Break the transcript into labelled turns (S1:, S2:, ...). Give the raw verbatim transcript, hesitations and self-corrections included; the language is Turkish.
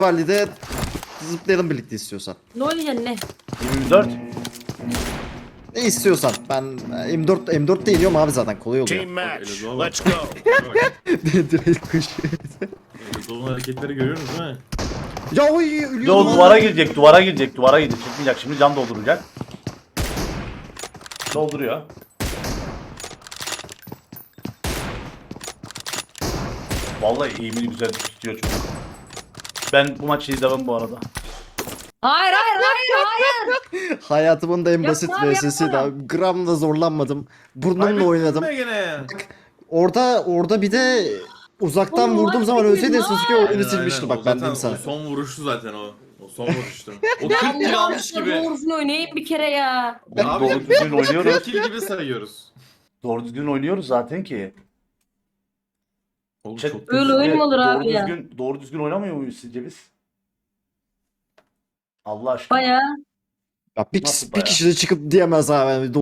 S1: Valide zıplayalım birlikte istiyorsan.
S2: Ne oynayacaksın ne?
S3: yirmi dört.
S1: Ne istiyorsan. Ben M dört M dörtte iniyorum abi zaten kolay oluyor.
S4: Team match.
S5: Elazığ'a bak.
S4: Let's go.
S1: Direkt kuş.
S5: Elazığ'ın hareketleri görüyorsunuz değil mi?
S1: Ya oy
S3: Bir de
S1: ölüyordum.
S3: o
S1: lan.
S3: duvara girecek, duvara girecek, duvara girecek. Çıkmayacak şimdi, can dolduracak. Dolduruyor. Vallahi eğimini güzel tutuyor çocuk. Ben bu maçı izlemem bu arada.
S2: Hayır hayır hayır hayır.
S1: Hayatımın da en basit
S2: Yapma abi,
S1: V S'siydi
S2: yapma.
S1: abi. Gram da zorlanmadım. Burnumla
S5: Kaybettin
S1: oynadım.
S5: mi gene?
S1: Orada orada bir de uzaktan
S2: Oğlum,
S1: vurduğum
S2: var
S1: zaman
S2: bir
S1: ölseydin
S2: gün,
S1: Sasuke
S2: var.
S1: oyunu
S5: Aynen,
S1: silmişti
S5: aynen.
S1: bak
S5: O
S1: ben
S5: zaten
S1: diyeyim sana.
S5: O son vuruştu zaten o. O son vuruştu. O kırk kill almış gibi.
S2: Doğrusunu oynayayım bir kere ya.
S3: Oğlum
S5: Abi,
S3: doğru düzgün oynuyoruz.
S5: kırk kill gibi sayıyoruz.
S3: Doğru düzgün oynuyoruz zaten ki.
S5: Oğlum
S3: Chat-
S5: çok
S2: Öyle oyun mu olur
S3: doğru
S2: abi ya?
S3: düzgün, Doğru düzgün oynamıyor muyuz sizce biz? Allah aşkına.
S2: Baya.
S1: Ya bir,
S3: Nasıl
S1: bir
S3: bayağı?
S1: kişi de çıkıp diyemez abi.